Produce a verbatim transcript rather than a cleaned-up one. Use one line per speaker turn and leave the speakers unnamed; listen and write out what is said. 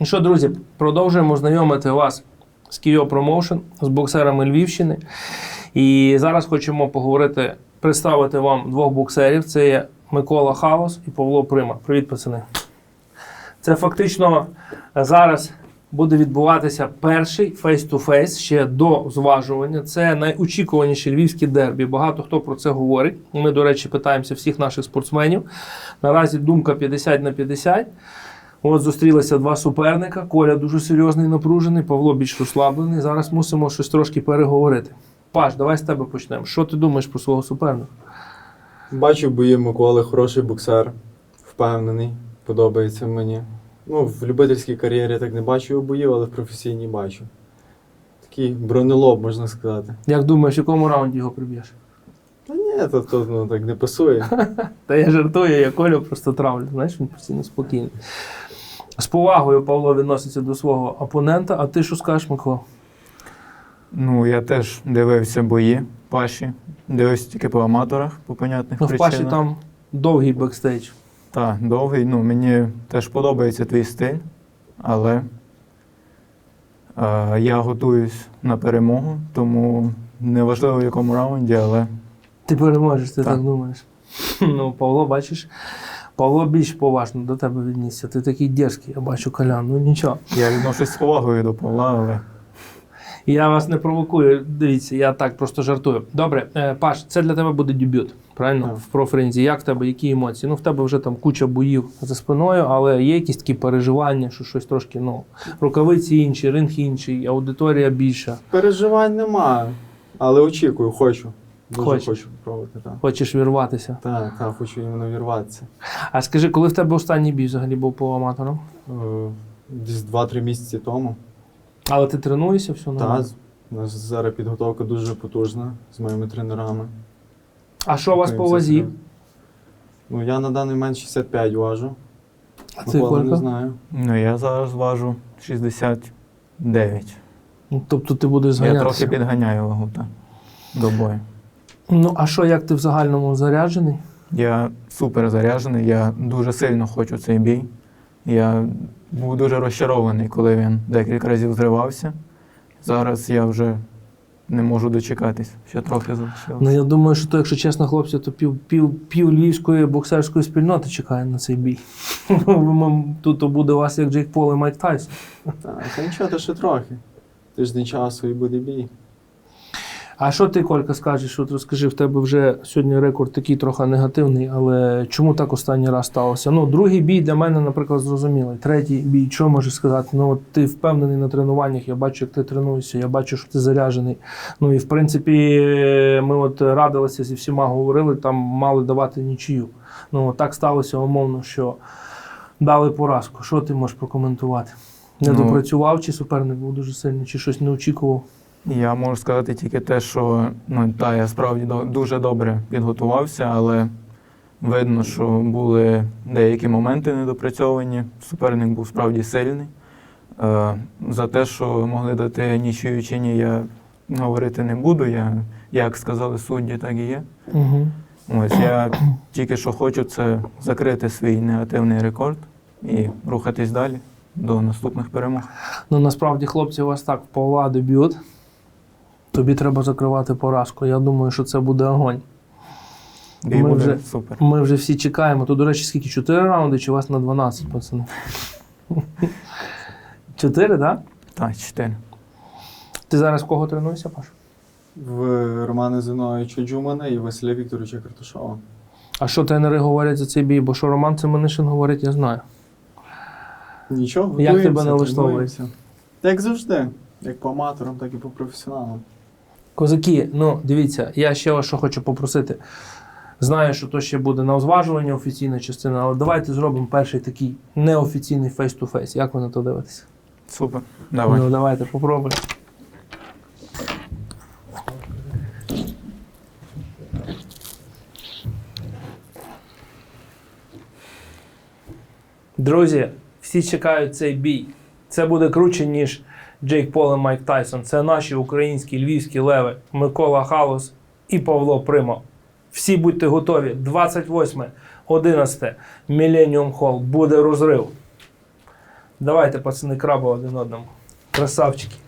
І що, друзі, продовжуємо знайомити вас з Кіо Промоушен, з боксерами Львівщини. І зараз хочемо поговорити, представити вам двох боксерів. Це є Микола Халос і Павло Прима. Привіт, пацани. Це фактично зараз буде відбуватися перший фейс-ту-фейс ще до зважування. Це найочікуваніші львівські дербі. Багато хто про це говорить. Ми, до речі, питаємося всіх наших спортсменів. Наразі думка п'ятдесят на п'ятдесят. От зустрілися два суперника. Коля дуже серйозний, напружений, Павло більш розслаблений. Зараз мусимо щось трошки переговорити. Паш, давай з тебе почнемо. Що ти думаєш про свого суперника?
Бачив бої Миколи, хороший боксер, впевнений, подобається мені. Ну, в любительській кар'єрі так не бачу його боїв, але в професійній бачу. Такий бронелоб, можна сказати.
Як думаєш, в якому раунді його приб'єш?
Та ні, то, то ну, так не пасує.
Та я жартую, я Колю просто травлю. Знаєш, він постійно спокійний. З повагою Павло відноситься до свого опонента, а ти що скажеш, Микола?
Ну, я теж дивився бої Паші. Дивився тільки по аматорах, по понятних
Ну, в
причинах.
Паші там довгий бекстейдж.
Так, довгий. Ну, мені теж подобається твій стиль, але е, я готуюсь на перемогу, тому неважливо в якому раунді, але
Ти переможеш, ти так,
Так.
думаєш. Ну, Павло, бачиш, Павло більш поважно до тебе віднісся. Ти такий дерзкий, я бачу, Колян, ну нічого.
я відношусь з повагою до Павла, але
І я вас не провокую, дивіться, я так просто жартую. Добре, е, Паш, це для тебе буде дебют, правильно?
Так.
В профринзі. Як в тебе, які емоції? Ну, в тебе вже там куча боїв за спиною, але є якісь такі переживання, що щось трошки, ну, рукавиці інші, ринг інший, аудиторія більша.
Переживань немає, але очікую, хочу. Дуже
Хочеш?
хочу спробувати, так.
Хочеш вірватися.
Так, так, хочу іменно вірватися.
А скажи, коли в тебе останній бій взагалі був по аматорам?
Е, Десь два-три місяці тому.
Але ти тренуєшся все нормально?
Так, у нас зараз підготовка дуже потужна з моїми тренерами.
А що у вас по
Готуємося
вазі?
серйозно. Ну, я на даний момент шістдесят п'ять важу.
А ти
Микола не
Колька?
знаю.
ну, я зараз важу шістдесят дев'ять.
Ну, тобто ти будеш
Я
зганятися.
трохи підганяю вагу так, до бою.
Ну, а що, як ти в загальному заряджений?
Я супер заряджений, я дуже сильно хочу цей бій. Я був дуже розчарований, коли він декілька разів зривався. Зараз я вже не можу дочекатись, ще трохи залишилося.
Ну, я думаю, що то, якщо чесно, хлопці, то пів, пів, пів львівської боксерської спільноти чекає на цей бій. Тут то буде у вас як Джейк Пол і Майк Тайсон.
Так, та нічого, то ще трохи. Тиждень часу і буде бій.
А що ти, Колька, скажеш? От розкажи, в тебе вже сьогодні рекорд такий трохи негативний, але чому так останній раз сталося? Ну, другий бій для мене, наприклад, зрозумілий. Третій бій, що можеш сказати? Ну, от ти впевнений на тренуваннях, я бачу, як ти тренуєшся, я бачу, що ти заряджений. Ну, і, в принципі, ми от радилися зі всіма, говорили, там мали давати нічию. Ну, от так сталося, умовно, що дали поразку. Що ти можеш прокоментувати? Не
Ну,
допрацював, чи суперник був дуже сильний, чи щось не очікував?
Я можу сказати тільки те, що ну, та, я справді до- дуже добре підготувався, але видно, що були деякі моменти недопрацьовані. Суперник був справді сильний. Е, за те, що могли дати нічию чи ні, я говорити не буду. Я, як сказали судді, так і є.
Угу.
Ось я тільки що хочу це закрити свій негативний рекорд і рухатись далі до наступних перемог.
Ну, насправді, хлопці, у вас так, в Павла дебют. Тобі треба закривати поразку. Я думаю, що це буде огонь.
Бій
Ми
буде
вже-
супер.
Ми вже всі чекаємо. То, до речі, скільки? Чотири раунди чи у вас на дванадцять, пацани? Чотири, так?
Так, чотири.
Ти зараз в кого тренуєшся, Паш?
В Романа Зиновича Джумана і Василя Вікторовича Карташова.
А що тренери говорять за цей бій? Бо що Роман Семенишин говорить, я знаю.
Нічого,
Як
готуємося,
тебе налаштовує?
тренуємося. Як завжди. Як по аматорам, так і по професіоналам.
Козаки, ну, дивіться, я ще вас що хочу попросити. Знаю, що то ще буде на озважуванні офіційна частина, але давайте зробимо перший такий неофіційний фейс-ту-фейс. Як ви на то дивитеся?
Супер. Давай.
Ну, давайте, попробуємо. Друзі, всі чекають цей бій. Це буде круче, ніж Джейк Пол і Майк Тайсон. Це наші українські львівські леви Микола Халос і Павло Прима. Всі будьте готові. двадцять восьме одинадцяте Millennium Hall. Буде розрив. Давайте, пацани, краба один одному. Красавчики.